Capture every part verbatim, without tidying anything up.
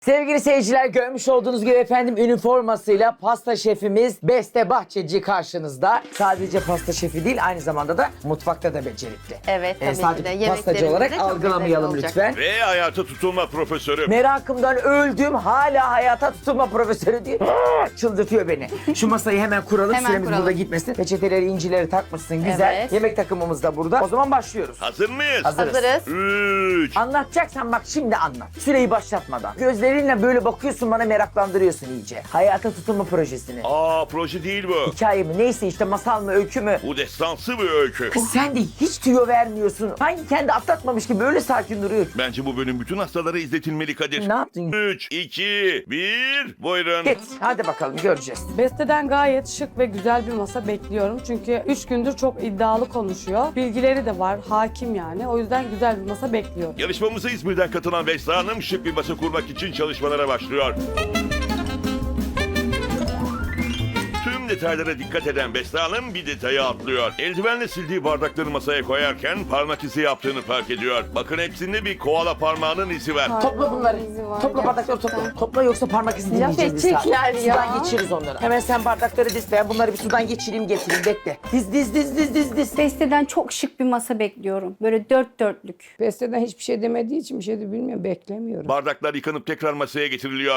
Sevgili seyirciler, görmüş olduğunuz gibi efendim üniformasıyla pasta şefimiz Beste Bahçeci karşınızda. Sadece pasta şefi değil, aynı zamanda da mutfakta da becerikli. Evet, tabii ki de. Sadece pastacı Yemeklerimiz olarak de çok algılamayalım lezzetli lütfen. Ve hayata tutulma profesörü. Merakımdan öldüm. Hala hayata tutulma profesörü diyor. Çıldırtıyor beni. Şu masayı hemen kuralım. Hemen Süremiz kuralım. burada gitmesin. Peçeteleri, incileri takmışsın. Güzel. Evet. Yemek takımımız da burada. O zaman başlıyoruz. Hazır mıyız? Hazırız. Hazırız. Üç. Anlatacaksan bak şimdi anlat. Süreyi başlatmadan. Gözlerinle böyle bakıyorsun, bana meraklandırıyorsun iyice. Hayata tutulma projesini. Aa, proje değil bu. Hikaye mi neyse işte, masal mı öykü mü? Bu destansı bir öykü. Kız sen de hiç tüyo vermiyorsun. Sanki kendi atlatmamış gibi öyle sakin duruyor. Bence bu bölüm bütün hastalara izletilmeli Kadir. Ne yaptın? Üç, iki, bir, buyurun. Git hadi bakalım, göreceğiz. Beste'den gayet şık ve güzel bir masa bekliyorum. Çünkü üç gündür çok iddialı konuşuyor. Bilgileri de var, hakim yani. O yüzden güzel bir masa bekliyorum. Yarışmamıza İzmir'den katılan Beste Hanım şık bir masa kurmak için çalışmalara başlıyor. Tüm detaylara dikkat eden Beste Hanım bir detayı atlıyor. Eldivenle sildiği bardakları masaya koyarken parmak izi yaptığını fark ediyor. Bakın hepsinde bir koala parmağının izi var. Topla bunları. izi var Topla bardakları gerçekten. topla. Topla yoksa parmak izi Laf dinleyeceğiz biz. edecekler ya. Sudan geçiririz onları. Hemen sen bardakları diz. Ben bunları bir sudan geçireyim getireyim, bekle. Diz diz diz diz diz diz. Beste'den çok şık bir masa bekliyorum. Böyle dört dörtlük. Beste'den hiçbir şey demediği için bir şey de bilmiyorum, beklemiyorum. Bardaklar yıkanıp tekrar masaya getiriliyor.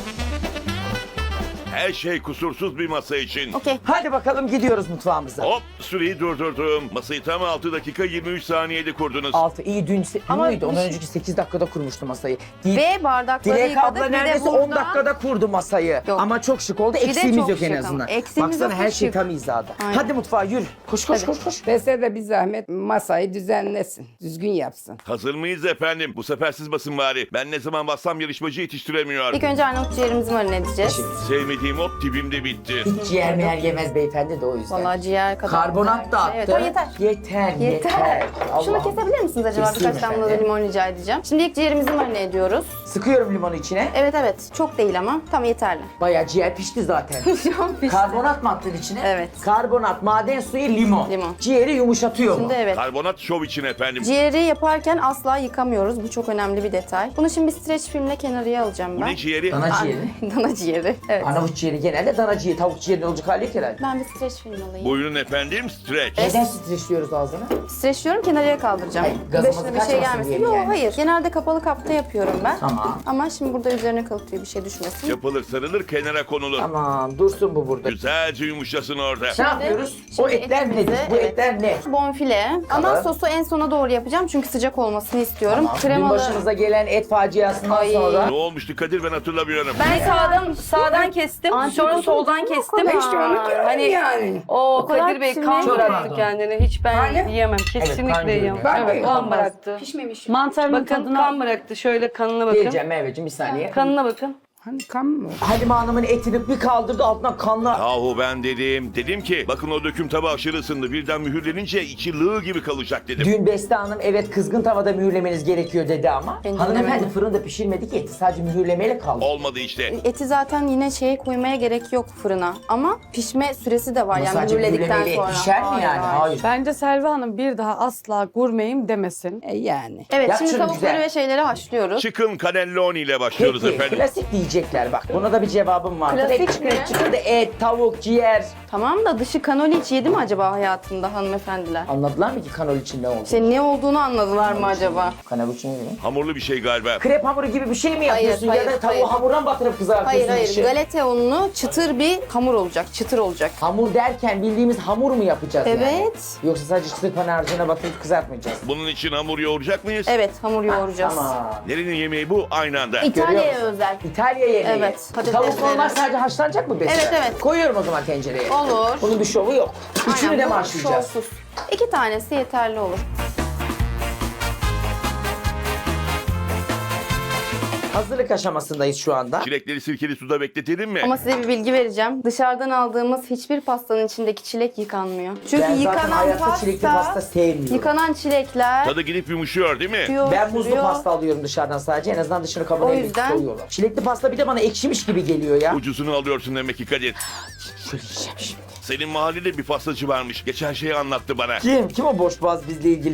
Her şey kusursuz bir masa için. Okey. Hadi bakalım gidiyoruz mutfağımıza. Hop, süreyi durdurdum. Masayı tam altı dakika yirmi üç saniyede kurdunuz. Altı iyi dün se- Ama muydu? Ondan bir şey- önceki sekiz dakikada kurmuştu masayı. Dil- Ve bardakları Dilek yıkadık. abla Bir de neredeyse burada- on dakikada kurdu masayı. Yok. Ama çok şık oldu. de Eksiğimiz çok yok en şık azından. ama. Eksiğimiz Baksana yok, her hiç şey yok. tam hizada. Aynen. Hadi mutfağa yürü. Koş koş koş koş. Beste de bir zahmet masayı düzenlesin, düzgün yapsın. Hazır mıyız efendim? Bu sefer siz basın bari. Ben ne zaman bassam yarışmacı yetiştiremiyor. İlk önce Arnavut ciğerimizi marine edeceğiz. Sevmediğim ot dibimde bitti. Hiç ciğer meğer yemez beyefendi de o yüzden. Vallahi ciğer kadar. Karbonat da attı. Evet, o yeter. Yeter, yeter. Yeter. Şunu Allah'ım. kesebilir misiniz acaba? Keseyim Birkaç damla da efendim. limon rica edeceğim. Şimdi ilk ciğerimizi marine ediyoruz. Sıkıyorum limonu içine. Evet evet. Çok değil ama. Tam yeterli. Bayağı ciğer pişti zaten. Şu an pişti. Karbonat mı attın içine? Evet. Karbonat, maden suyu, limon. Limon. Ciğeri yumuşatıyor mu? Şimdi evet. Karbonat şov için efendim. Ciğeri yaparken asla yıkamıyoruz. Bu çok önemli bir detay. Bunu şimdi bir streç filmle kenarıya alacağım Bu ben. ne ciğeri? Dana ciğeri. Dana ciğeri. Evet. Arnavut ciğeri genelde dana ciğeri. Tavuk ciğeri olacak hali yok herhalde. Ben bir streç film alayım. Buyurun efendim, streç. Neden streçliyoruz ağzını? Streçliyorum, kenarıya kaldıracağım. Hayır, gazımız Başına bir şey kaçmasın gelmesin. diye Yok yani. hayır. Genelde kapalı kapta yapıyorum ben. Tamam. Ama şimdi burada üzerine kalıtıyor, bir şey düşmesin. Yapılır sarılır kenara konulur. Tamam, dursun bu burada. Güzelce yumuşasın orada. Ne yapıyoruz? O şimdi etler etimizi- nedir? Bu evet. etler ne? Bonfile. Ama Tamam. sosu en sona doğru yapacağım çünkü sıcak olmasını istiyorum. Tamam. Dün Kremalı. başımıza gelen et faciasından Ay. sonra... Ne olmuştu Kadir, ben hatırlamıyorum. Ben sağdan sağdan kestim, sonra soldan kestim. İşte onu diyorum Hani yani. o kadar Kadir Bey pişirmeye kan gerek bıraktı yok. kendini. Hiç ben Hani? yiyemem. kan Kesinlikle yiyemem. görüyorum. Ben de Evet, kan yapamaz. bıraktı. Pişmemiş. Mantarının Bakın tadına... kan bıraktı. Şöyle kanına bakın. Geleceğim Merveciğim, bir saniye. Kanına bakın. Hani kan mı? Halime Hanım'ın etini bir kaldırdı, altına kanla... Yahu ben dedim. Dedim ki bakın o döküm tabağı aşırı ısındı. Birden mühürlenince içi lığ gibi kalacak dedim. Dün Beste Hanım evet kızgın tavada mühürlemeniz gerekiyor dedi ama Ben hanımefendi dinlemedim. fırında pişirmedi ki, eti sadece mühürlemeyle kaldı. Olmadı işte. Eti zaten yine şeye koymaya gerek yok fırına. Ama pişme süresi de var Ama yani sadece mühürledikten mühürlemeyle et sonra. pişer mi Hayır, yani? Hayır. Bence Selvi Hanım bir daha asla gurmeyim demesin. E yani. Evet Yap şimdi şunu tavukları güzel. ve şeyleri haşlıyoruz. Chicken cannelloni ile başlıyoruz Peki, efendim. klasik diyecekler bak. Buna da bir cevabım var. Klasik Hep çıkın, mi? çıkın da et, tavuk, ciğer. Tamam da dışı kanoli hiç yedi mi acaba hayatında hanımefendiler? Anladılar mı ki kanol için ne oldu? İşte ne olduğunu anladılar mı acaba? Kanol için ne demek? Hamurlu bir şey galiba. Krep hamuru gibi bir şey mi Hayır, yapıyorsun hayır, ya da tavuğu hayır. hamurdan batırıp kızartıyorsun? Hayır hayır dışı? galeta unlu çıtır bir hamur olacak. Çıtır olacak. Hamur derken bildiğimiz hamur mu yapacağız yani? Evet. Yoksa sadece çıtır pan harcına batırıp kızartmayacağız. Bunun için hamur yoğuracak mıyız? Evet hamur yoğuracağız. Tamam. Nerenin yemeği bu? Aynı anda. Görüyor İtalya'ya musun? özel. İtalya yemeği. Evet, patatesleri. Tavuk normal sadece haşlanacak mı Beste? Evet, evet. Koyuyorum o zaman tencereye. Olur. Bunun bir şovu yok. Üçünü Aynen, de mi bu haşlayacağız? şovsuz. İki tanesi yeterli olur. Hazırlık aşamasındayız şu anda. Çilekleri sirkeli suda bekletelim mi? Ama size bir bilgi vereceğim. Dışarıdan aldığımız hiçbir pastanın içindeki çilek yıkanmıyor. Çünkü Ben zaten yıkanan hayatta pasta, çilekli pasta sevmiyorum. yıkanan çilekler Tadı gidip yumuşuyor değil mi? tutuyor, Ben buzlu sürüyor. pasta alıyorum dışarıdan sadece. En azından dışını kabuğuna O elbette yüzden- koyuyorlar. Çilekli pasta bir de bana ekşimiş gibi geliyor ya. Ucuzunu alıyorsun demek ki Kadir. Şöyle yiyeceğim şimdi. Senin mahallede bir pastacı varmış. Geçen şeyi anlattı bana. Kim? Kim o boş boğaz bizle ilgili?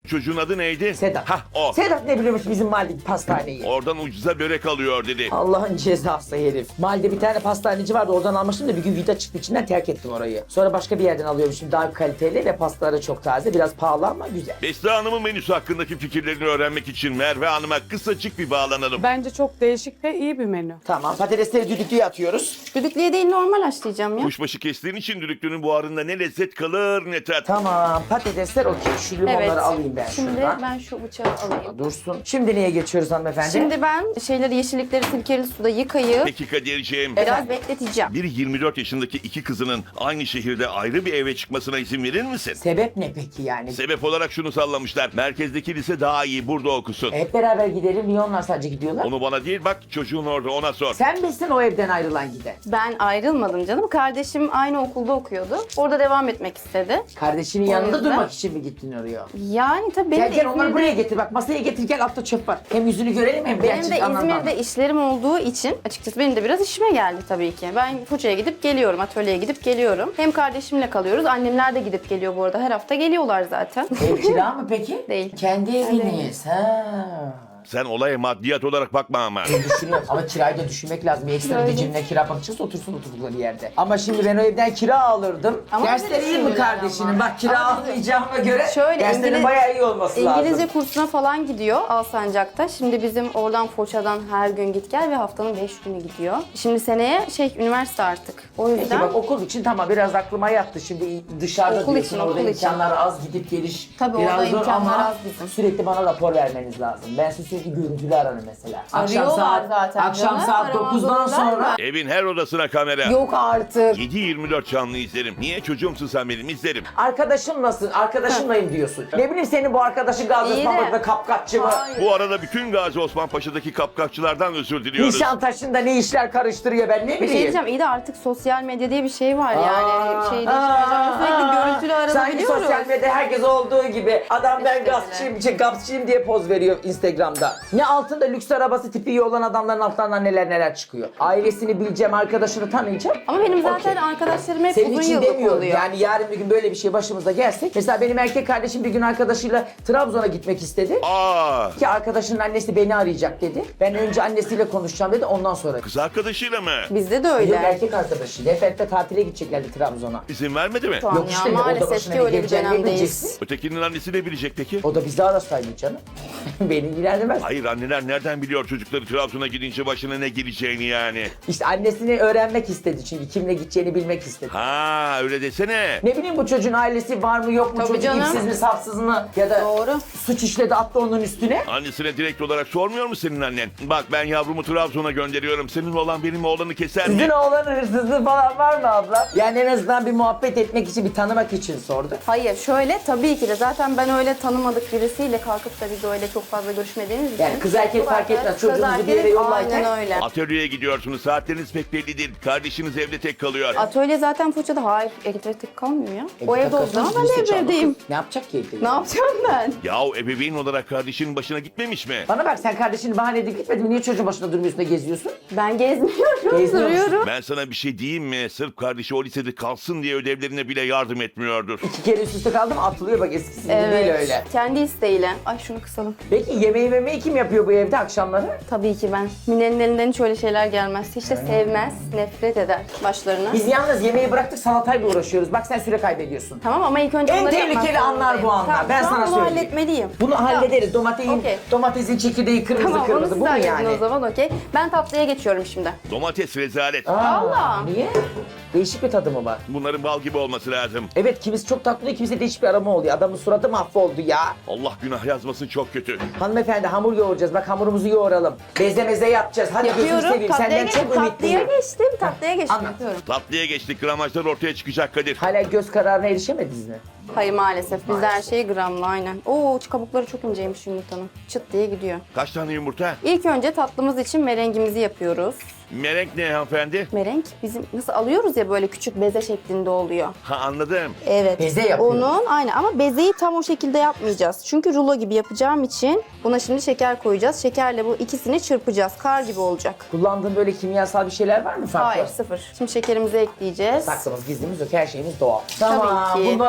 Çocuğun adı neydi? Sedat. Hah o. Sedat ne biliyormuş bizim mahalledeki pastaneyi? Oradan ucuza börek alıyor dedi. Allah'ın cezası herif. Mahallede bir tane pastaneci vardı, oradan almıştım da bir gün vida çıktı içinden, terk ettim orayı. Sonra başka bir yerden alıyormuşum, daha kaliteli ve pastaları çok taze, biraz pahalı ama güzel. Beste Hanım'ın menüsü hakkındaki fikirlerini öğrenmek için Merve Hanım'a kısacık bir bağlanalım. Bence çok değişik ve iyi bir menü. Tamam, patatesleri düdüklüye atıyoruz. Düdüklüye değil normal haşlayacağım ya. Kuşbaşı kestiğin için düdüklünün buharında ne lezzet kalır ne tat. Tamam, patatesler okey. Şu limonları Evet. alayım ben Şimdi şuradan. ben şu bıçağı alayım. Dursun. Şimdi neye geçiyoruz hanımefendi? Şimdi ben şeyleri, yeşillikleri sirkeli suda yıkayıp Peki Kadir'ciğim. biraz bekleteceğim. Bir yirmi dört yaşındaki iki kızının aynı şehirde ayrı bir eve çıkmasına izin verir misin? Sebep ne peki yani? Sebep olarak şunu sallamışlar. Merkezdeki lise daha iyi, burada okusun. Hep beraber gidelim, niye onlar sadece gidiyorlar? Onu bana değil, bak çocuğun orada, ona sor. Sen misin o evden ayrılan giden? Ben ayrılmadım canım. Kardeşim aynı okulda okuyordu. Orada devam etmek istedi. Kardeşinin O yanında yüzden- durmak için mi gittin oraya? Yani tabii benim Gel de gel onları İzmir'de- buraya getir, bak masaya getir, gel altta çöp var. Hem yüzünü görelim hem Benim gerçek de anlamam. İzmir'de işlerim olduğu için açıkçası benim de biraz işime geldi tabii ki. Ben Foça'ya gidip geliyorum, atölyeye gidip geliyorum. Hem kardeşimle kalıyoruz. Annemler de gidip geliyor bu arada. Her hafta geliyorlar zaten. Ev kira mı peki? Değil. Kendi eviniz ha. Sen olaya maddiyat olarak bakma ama. Düşünüyorum ama kirayı da düşünmek lazım. Bir ekstra bir de cebine kira bakacağız, otursun oturdukları yerde. Ama şimdi ben o evden kira alırdım. Ama Dersleri öyle iyi mi düşünüyorlar kardeşinin? ama. Bak kira Ama almayacağıma göre Şöyle, derslerin İngiliz- bayağı iyi olması İngilizce lazım. kursuna falan gidiyor Alsancak'ta. Şimdi bizim oradan Foça'dan her gün git gel ve haftanın beş günü gidiyor. Şimdi seneye şey üniversite artık. O Peki yüzden bak okul için tamam biraz aklıma yattı. Şimdi dışarıda Okul diyorsun için, orada okul için. imkanlar az, gidip geliş Tabii biraz orada zor imkanlar ama az bizim. sürekli bana rapor vermeniz lazım. Ben size sürekli görüntülü ararım mesela. Akşam Arıyorlar saat, zaten akşam canım, saat aramaz dokuzdan olurlar sonra Evin her odasına kamera. yok artık. yedi yirmi dört canlı izlerim. Niye çocuğumsun sen benim, izlerim. arkadaşım nasıl? Arkadaşımlayım diyorsun. Ne bileyim senin bu arkadaşın Gazi İyi de- Osmanlı'da kapkaççı mı? Bu arada bütün Gazi Osman Paşa'daki kapkaççılardan özür diliyoruz. Nişantaşı'nda ne işler karıştırıyor ben ne Bir şey bileyim. diyeceğim, iyi de artık sosyal medya diye bir şey var yani. Aa, Şeyde aa, sürekli aa. görüntülü Sanki aranabiliyoruz. sosyal medyada herkes olduğu gibi adam ben İşte gazçıyım, şey, gazçıyım diye poz veriyor Instagram'da. Ne altında lüks arabası tipi iyi olan adamların altlarından neler neler çıkıyor. Ailesini bileceğim, arkadaşını tanıyacağım. Ama benim zaten Okey. arkadaşlarım hep Senin uzun için yıllık demiyorum oluyor. yani yarın bir gün böyle bir şey başımıza gelse. Mesela benim erkek kardeşim bir gün arkadaşıyla Trabzon'a gitmek istedi. Aa, Ki arkadaşının annesi beni arayacak dedi. Ben önce annesiyle konuşacağım dedi ondan sonra. kız arkadaşıyla mı? Bizde de Yok öyle. erkek arkadaşıyla. Hep hep de tatile gideceklerdi Trabzon'a. İzin vermedi mi? Şu an Yok ya işte, orada maalesef başına ki bir öyle bir geleceğini dönemdeyiz. bileceksin. Ötekinin annesi ne bilecek peki? O da bizi arasaydı canım. Beni ilgilendirmez. Hayır, anneler nereden biliyor çocukları Trabzon'a gidince başına ne geleceğini yani? İşte annesini öğrenmek istedi çünkü kimle gideceğini bilmek istedi. Ha öyle desene. Ne bileyim bu çocuğun ailesi var mı yok mu, Tabii çocuk canım. ipsiz mi safsız mı ya da Doğru. suç işledi attı onun üstüne. Annesine direkt olarak sormuyor mu senin annen? Bak ben yavrumu Trabzon'a gönderiyorum. Senin olan benim oğlanı keser mi? Sizin oğlanın hırsızlığı falan var mı abla? Yani en azından bir muhabbet etmek için, bir tanımak için sordu. Hayır şöyle tabii ki de zaten ben öyle tanımadık birisiyle kalkıp da biz öyle çok fazla görüşmediğimiz için. Yani kız erkek Bu fark arada etmez. kız Çocuğunuzu bir yere erkek yollarken- Aynen öyle. Atölyeye gidiyorsunuz. Saatleriniz pek belli değil. Kardeşiniz evde tek kalıyor. Atölye zaten Foça'da. Hayır, evde tek kalmıyor ya. E, o bir evde o dakika, zaman birisi ben de çaldı. evdeyim. Ne yapacak ki evde? Ne yapacağım ben? Yahu ebeveyn olarak kardeşinin başına gitmemiş mi? Bana bak sen kardeşini bahane edip gitmedin mi? Niye çocuğun başında durmuyorsun da geziyorsun? Ben gezmiyorum, Gezmiyor musun? duruyorum. Ben sana bir şey diyeyim mi? Sırf kardeşi o lisede kalsın diye ödevlerine bile yardım etmiyordur. İki kere üst üste kaldım atılıyor bak eskisi gibi Evet. değil öyle. Kendi isteğiyle. Ay şunu kısalım. Peki yemeği memeği kim yapıyor bu evde akşamları? Tabii ki ben. Mine'nin elinden hiç öyle şeyler gelmez. Hiç de sevmez, nefret eder başlarına. Biz yalnız yemeği bıraktık salatayla uğraşıyoruz. Bak sen süre kaybediyorsun. Tamam ama ilk önce En onları yapmak tehlikeli anlar bu zorundayım. anlar. Tamam, Ben şu an sana bunu söyleyeyim. halletmeliyim. Bunu hallederiz. Domatesin, Okey. domatesin çekirdeği kırmızı Tamam onu kırmızı. siz Bu mu halledin yani? o zaman okey. Ben tatlıya geçiyorum şimdi. Domates rezalet. Aa, Allah! Niye? Değişik bir tadı mı var? Bunların bal gibi olması lazım. Evet kimisi çok tatlı oluyor, kimisi değişik bir aroma oluyor. Adamın suratı mahvoldu ya. Allah günah yazmasın, çok kötü. Hanımefendi hamur yoğuracağız. Bak hamurumuzu yoğuralım. Beze meze yapacağız. Hadi gözünü Yapıyorum. seveyim. Tatlıya Senden geçtim. çok Tatlıya ümitliyim. geçtim. Tatlıya geçtim. Anlat. Yapıyorum. Tatlıya geçtik, gramajlar ortaya çıkacak Kadir. Hala göz kararına erişemediniz mi? Hayır maalesef. Bizde her şey gramla aynen. Oo kabukları çok inceymiş yumurtanın. Çıt diye gidiyor. Kaç tane yumurta? İlk önce tatlımız için merengimizi yapıyoruz. Merenk ne hanımefendi? Merenk bizim nasıl alıyoruz ya böyle küçük beze şeklinde oluyor. Ha anladım. Evet. Beze yapıyoruz. Onun aynen ama bezeyi tam o şekilde yapmayacağız. Çünkü rulo gibi yapacağım için buna şimdi şeker koyacağız. Şekerle bu ikisini çırpacağız. Kar gibi olacak. Kullandığın böyle kimyasal bir şeyler var mı farklı? Hayır sıfır. Şimdi şekerimizi ekleyeceğiz. Saklımız, gizlimiz yok. Her şeyimiz doğal. Tamam, ki. bunlar okey.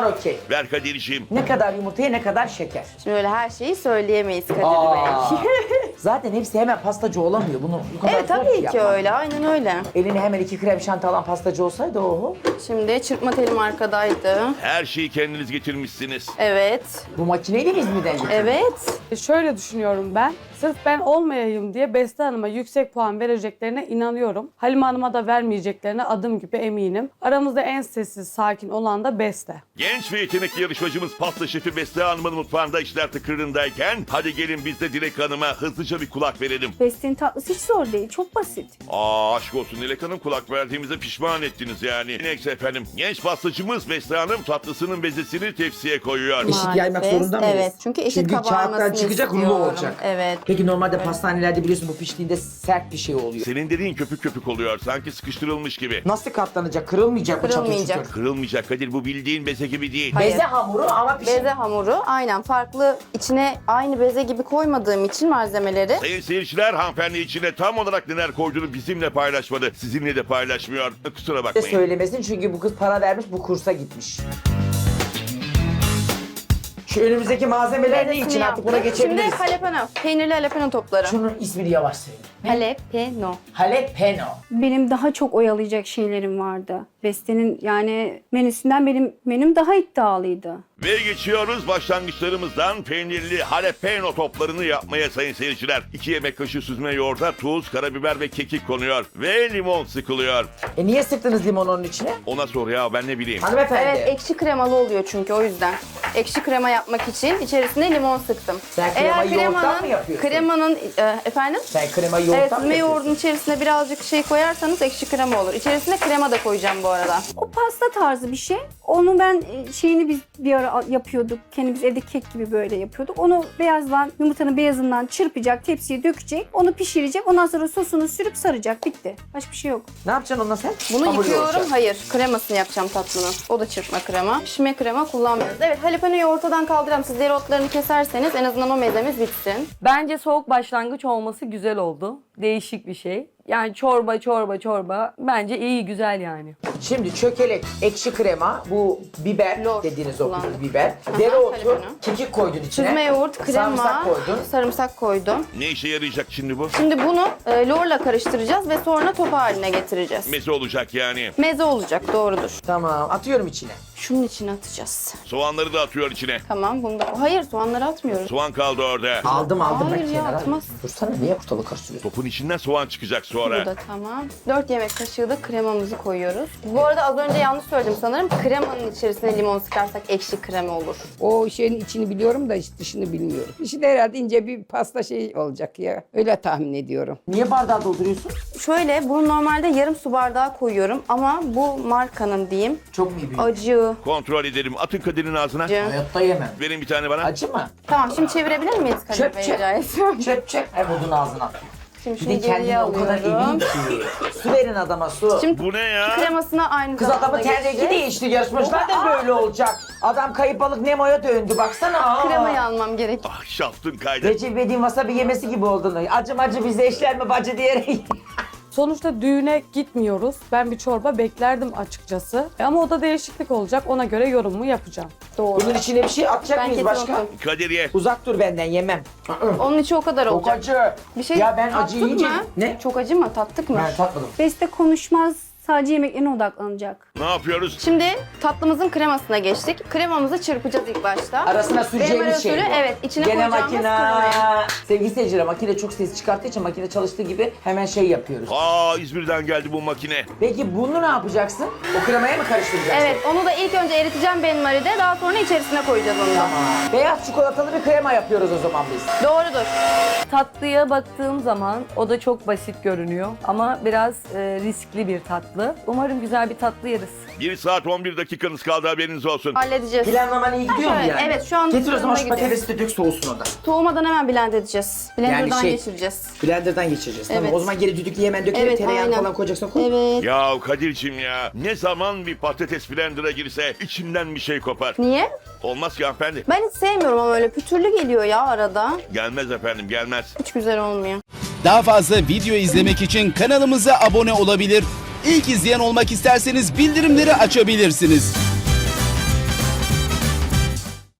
Ver Kadir'ciğim. Ne kadar yumurtaya ne kadar şeker. Şimdi öyle her şeyi söyleyemeyiz Kadir Aa. Bey. Zaten hepsi hemen pastacı olamıyor. Bunu bu kadar Evet zor tabii ki yapmak. öyle. Aynen öyle. Eline hemen iki krem şanti alan pastacı olsaydı oho. Şimdi çırpma telim arkadaydı. Her şeyi kendiniz getirmişsiniz. Evet. Bu makineyle mi İzmir'den getirdin? Evet. E, Şöyle düşünüyorum ben. Sırf ben olmayayım diye Beste Hanım'a yüksek puan vereceklerine inanıyorum. Halime Hanım'a da vermeyeceklerine adım gibi eminim. Aramızda en sessiz, sakin olan da Beste. Genç ve yetenekli yarışmacımız pasta şefi Beste Hanım'ın mutfağında işler tıkırındayken hadi gelin biz de Dilek Hanım'a hızlıca bir kulak verelim. Beste'nin tatlısı hiç zor değil. Çok basit. Aa aşk olsun Dilek Hanım, kulak verdiğimize pişman ettiniz yani. Neyse efendim, genç pastacımız Beste Hanım tatlısının bezesini tepsiye koyuyor. Eşit yaymak zorunda mıyız? Evet. Çünkü eşit Çünkü kabarmasını kağıttan çıkacak, rulo istiyorum. olacak. Evet. Peki normalde pastanelerde biliyorsun bu piştiğinde sert bir şey oluyor. Senin dediğin köpük köpük oluyor, sanki sıkıştırılmış gibi. Nasıl katlanacak? Kırılmayacak mı çatır Kırılmayacak. çutur? Kırılmayacak Kadir, bu bildiğin beze gibi değil. Hayır. Beze hamuru ama pişir. Beze hamuru aynen farklı, içine aynı beze gibi koymadığım için malzemeleri. Sayın seyirciler, hanımefendi içine tam olarak neler koyduğunu bizimle paylaşmadı. Sizinle de paylaşmıyor. Kusura de bakmayın. söylemesin çünkü bu kız para vermiş, bu kursa gitmiş. Şu önümüzdeki malzemeler ne için artık buna yaptık. Şimdi geçebiliriz. jalapeno, peynirli jalapeno topları. Şunun ismini yavaş söyle. Jalapeno. Jalapeno. Benim daha çok oyalayacak şeylerim vardı. Beste'nin yani menüsünden benim menüm daha iddialıydı. Ve geçiyoruz başlangıçlarımızdan peynirli jalapeno toplarını yapmaya sayın seyirciler. iki yemek kaşığı süzme yoğurda tuz, karabiber ve kekik konuyor. Ve limon sıkılıyor. E niye sıktınız limon onun içine? Ona sor ya, ben ne bileyim. Hanımefendi. Evet, ekşi kremalı oluyor çünkü o yüzden. Ekşi krema yapmak için içerisine limon sıktım. Sen kremayı yoğurttan mı yapıyorsun? Kremanın, e, efendim? Sen kremayı yoğurttan Evet, mı süzme yapıyorsun? yoğurdun içerisine birazcık şey koyarsanız ekşi krema olur. İçerisine krema da koyacağım bu arada. O pasta tarzı bir şey. Onu ben e, şeyini biz bir ara yapıyorduk. Kendimiz evde kek gibi böyle yapıyorduk. Onu beyazdan, yumurtanın beyazından çırpacak, tepsiye dökecek. Onu pişirecek. Ondan sonra sosunu sürüp saracak. Bitti. Başka bir şey yok. Ne yapacaksın onunla sen? Bunu Hamur yıkıyorum. yoğuracaksın. Hayır, kremasını yapacağım tatlının. O da çırpma krema. Pişme krema kullanmıyoruz. Evet, jalapenoyu ortadan kaldıralım. Siz dereotlarını keserseniz en azından o mezemiz bitsin. Bence soğuk başlangıç olması güzel oldu. Değişik bir şey. Yani çorba çorba çorba bence iyi, güzel yani. Şimdi çökelek, ekşi krema, bu biber Lor dediğiniz o kullandık. biber. Aha, Dereotu, jalapeno. kekik koydun içine. Süzme yoğurt, krema, Sarımsak koydun. sarımsak koydum. Ne işe yarayacak şimdi bu? Şimdi bunu e, lorla karıştıracağız ve sonra top haline getireceğiz. Meze olacak yani. Meze olacak, doğrudur. Tamam, atıyorum içine. Şunun içine atacağız. Soğanları da atıyor içine. Tamam, bunu da... Hayır, soğanları atmıyoruz. Soğan kaldı orada. Aldım aldım Hayır ben ya, kenara. atmaz. Dursana, niye ortalığı karıştırıyorsun? Topun içinden soğan çıkacak Bu sonra. da tamam. dört yemek kaşığı da kremamızı koyuyoruz. Bu arada az önce yanlış söyledim sanırım. Kremanın içerisine limon sıkarsak ekşi krema olur. O şeyin içini biliyorum da iç dışını bilmiyorum. İçi de herhalde ince bir pasta şey olacak ya. Öyle tahmin ediyorum. Niye bardağı dolduruyorsun? Şöyle, bunu normalde yarım su bardağı koyuyorum ama bu markanın diyeyim. Çok mu iyi büyük? Acı. Kontrol edelim. Atın Kadir'in ağzına. Acı. Hayatta yemem. Verin bir tane bana. Acı mı? Tamam, şimdi çevirebilir miyiz Kadir Çöp Bey çöp. rica ediyorum? Çöp çöp. Hem odun ağzına. Şimdi Bir şunu de geriye kendine o kadar emin alıyorum. ki. Su verin adama su. Şimdi Bu ne ya? kremasına aynı Kız zamanda adamın ten rengi geçeceğiz. değişti. Yarışmacılar da böyle olacak. Adam kayıp balık Nemo'ya döndü. Baksana. Aa. Kremayı almam gerek. Ah şaftın kaydı. Recep İvedik'in wasabi yemesi gibi oldun. Acım acı bize eşler mi bacı diyerek. Sonuçta düğüne gitmiyoruz. Ben bir çorba beklerdim açıkçası. E Ama o da değişiklik olacak. Ona göre yorumumu yapacağım. Doğru. Bunun içine bir şey atacak Ben mıyız kesin başka? unuttum. Kadir ye. Uzak dur benden, yemem. Onun içi o kadar Çok olacak. acı. Bir şey Ya ben acı tattık yiyince... mı? Ne? Çok acı mı? Tattık mı? Ben tatmadım. Beste konuşmaz, sadece yemeklerine odaklanacak. Ne yapıyoruz? Şimdi tatlımızın kremasına geçtik. Kremamızı çırpacağız ilk başta. Arasına süreceğimiz Krema şey usulü, bu. evet, içine Gene koyacağımız makine. kremayı. Sevgili seyirciler, makine çok ses çıkarttığı için makine çalıştığı gibi hemen şey yapıyoruz. Aa İzmir'den geldi bu makine. Peki bunu ne yapacaksın? O kremaya mı karıştıracaksın? Evet, onu da ilk önce eriteceğim benmaride, daha sonra içerisine koyacağız onu da. Tamam. Beyaz çikolatalı bir krema yapıyoruz o zaman biz. Doğrudur. Tatlıya baktığım zaman o da çok basit görünüyor ama biraz e, riskli bir tatlı. Umarım güzel bir tatlı yeriz. bir saat on bir dakikanız kaldı, haberiniz olsun. Halledeceğiz. Planlaman iyi gidiyor mu Evet, yani? evet, şu an Getir o zaman şu fırına gidiyor. patatesi de dök, soğusun o da. Soğumadan hemen blend edeceğiz. Blender'dan şey- geçireceğiz. Blender'dan geçireceğiz. Tamam, Evet. o zaman geri düdüklüye hemen dökelim, Evet, tereyağını aynen. falan koyacaksan koy. Evet. Ya Kadir'cim ya, ne zaman bir patates blender'a girse içinden bir şey kopar. Niye? Olmaz ki hanımefendi. Ben hiç sevmiyorum ama öyle pütürlü geliyor ya arada. Gelmez efendim, gelmez. Hiç güzel olmuyor. Daha fazla video izlemek için kanalımıza abone olabilir. İlk izleyen olmak isterseniz bildirimleri açabilirsiniz.